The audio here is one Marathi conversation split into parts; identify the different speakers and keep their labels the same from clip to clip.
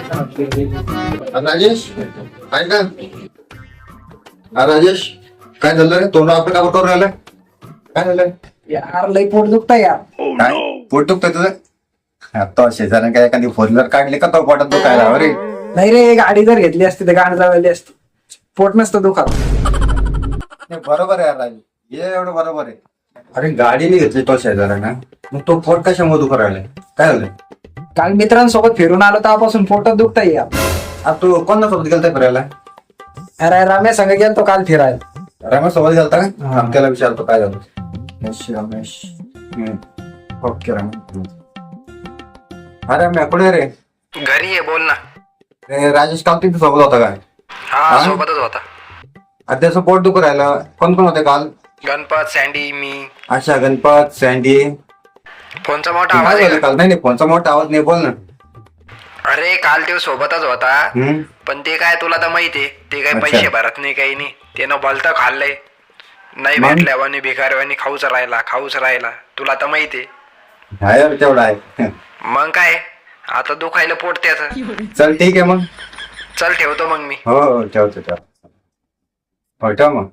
Speaker 1: राजेश काय का? राजेश काय झालं रे? तोंड आपलं का करून राहिलं? काय झालं?
Speaker 2: यार लई पोट दुखतंय यार.
Speaker 1: काय पोट दुखतंय तुझं? तो शेजाऱ्याने काय एखादी फोर व्हीलर काढली का तो पोटात दुखायला रे?
Speaker 2: नाही रे, गाडी जर घेतली असती तर गाडी लावली असती. पोट नसतं दुखत.
Speaker 1: नाही, बरोबर आहे यार राजेश, हे एवढं बरोबर आहे. अरे गाडीने घेतली तो शेजाऱ्यानं, मग तो पोट कशामुळे दुखू राहिलाय? काय झालं?
Speaker 2: काल मित्रांसोबत फिरून आलो तेव्हापासून पोटात दुखतंय यार.
Speaker 1: आता तू कोणासोबत गेलता फिरायला?
Speaker 2: अरे रम्या संग गेलतो काल फिरायला.
Speaker 1: रमेश सोबत गेलता का? त्याला विचारतो काय झालं. रमेश ओके रमेश. अरे मी कुठे रे?
Speaker 3: घरी आहे, बोल ना.
Speaker 1: राजेश काल तिथे सोबत होता काय?
Speaker 3: हा, सोबतच होता.
Speaker 1: त्याचं पोट दुखू राहिलं. कोण कोण होते काल?
Speaker 3: गणपत, सँडी, मी.
Speaker 1: अच्छा, गणपत, सँडी.
Speaker 3: फोनचा मोठा
Speaker 1: काय
Speaker 3: आवाज आहे
Speaker 1: झालं
Speaker 3: का?
Speaker 1: काल? नाही फोनचा मोठा आवाज नाही, बोल ना.
Speaker 3: अरे काल ते सोबतच होता, पण ते काय तुला तर माहितीये, ते काय
Speaker 1: अच्छा.
Speaker 3: पैसे भरत नाही, काही नाही. त्यानं भलतं खाल्लंय. नाही
Speaker 1: मग?
Speaker 3: भेटल्यावानी भिकाऱ्यावानी खाऊच राहिला. तुला तर माहितीये.
Speaker 1: हा यार, तेवढा आहे.
Speaker 3: मग काय, आता दुखायला पोट त्याचं.
Speaker 1: चल ठीक आहे मग.
Speaker 3: चल ठेवतो मग मी.
Speaker 1: हो हो, ठेव. हो ठेव मग.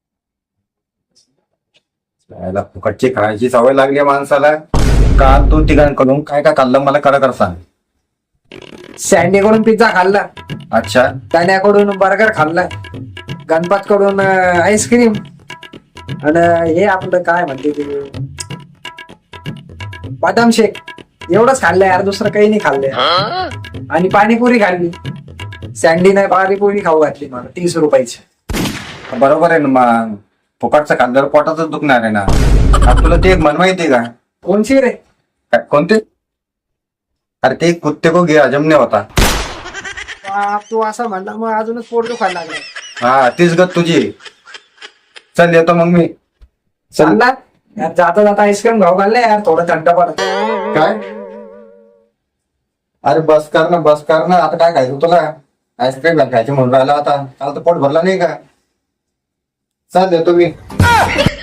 Speaker 1: याला फुकटची खायची सवय लागली माणसाला. काल तू तिघांकडून काय काय खाल्लं मला कर सांग.
Speaker 2: सँडी कडून पिझ्झा खाल्ला,
Speaker 1: अच्छा.
Speaker 2: तान्याकडून बर्गर खाल्ला, गणपत कडून आईस्क्रीम, आणि हे आपलं काय म्हणते ते बदाम शेक. एवढंच खाल्लं यार, दुसरं काही नाही खाल्लंय. आणि पाणीपुरी खाल्ली. सँडीने पाणीपुरी खाऊ घातली मला 30 रुपयाची.
Speaker 1: बरोबर आहे ना मग. फुकटचं खाल्ल्यावर पोटातच दुखणार आहे ना. आता तुला ते एक म्हण माहिती का?
Speaker 2: कोणची रे?
Speaker 1: काय कोणते? अरे ते कुत्ते को गिरा जमने होता.
Speaker 2: तू असं म्हणला मग अजूनच पोट दुखायला लागलं.
Speaker 1: हा तीच गत तुझी. चल येतो मग मी.
Speaker 2: चालला यार, जाता जाता आईस्क्रीम खाऊ घालले यार, थोडं थंड पडत.
Speaker 1: काय? अरे बस कर ना. आता काय खायचं तुला? आईस्क्रीम खायची म्हणून राहिला आता. काल तर पोट भरला नाही का? चल येतो मी.